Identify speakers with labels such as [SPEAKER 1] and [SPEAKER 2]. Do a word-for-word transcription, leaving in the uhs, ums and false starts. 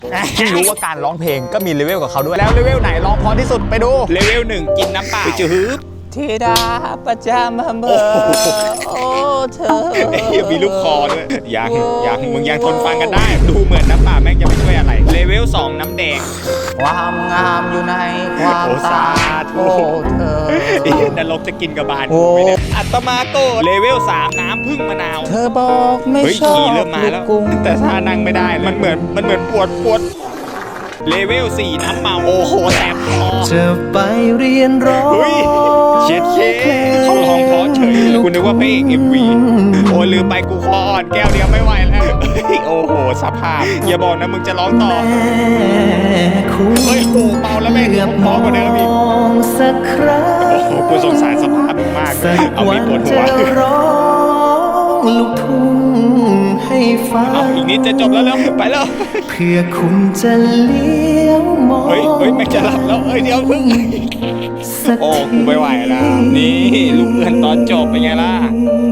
[SPEAKER 1] เพิ่งรู้ว่าการร้องเพลงก็มีเลเวลกับเขาด้วยแล้วเลเวลไหนร้องพอที่สุดไปดูเลเวลหนึ่งกินน้ำเปล่าจืดธิดาประจำเบอร์โอ้เธอมีลูกคอด้วยยังยังมึงยังทนฟังกันได้ดูเหมือนน้ำเปล่าแม่งจะไม่ช่วยอะไรเลเวลสองน้ำแดงความงามอยู่ในความตาโอ้เธอนรกจะกินกระบาลกูไม่ได้อัตมาโกเลเวลสามน้ำพึ่งมะนาวเธอบอกไม่ชอบเริ่มมาแล้วแต่ถ้านั่งไม่ได้มันเหมือนมันเหมือนปวดปวดเลเวลสี่น้ำเมาโอ้โหแสบคอ
[SPEAKER 2] จะไปเรียนร้อง
[SPEAKER 1] เช็ดเคเขาร้องเพราะเฉยคุณนึกว่าเพลงเอ็มวีโอ้ลืมไปกูคออ่อนแก้วเดียวไม่ไหวแล้วโอ้โหสภาพอย่าบอกนะมึงจะร้องต่อเฮ้ยโอ้เมาแล้วแม่งเพราะกว่าเดิมอีกโอ้โหกูสงสารสภาพมึงมากเอามีปวดหัว
[SPEAKER 2] ลูกทุ่งให้ฟัง
[SPEAKER 1] อีกนิดจะจบแล้วแล้วไปแล้ว
[SPEAKER 2] เพื่อคุณจะเลี้ยวมอง
[SPEAKER 1] เฮ้ยเฮ้ยไม่จะหลับแล้วเฮ้ยเดี๋ยวพึ่งโอ้กูไม่ไหวแล้วนี่ลูกเพื่อนตอนจบเป็นไงล่ะ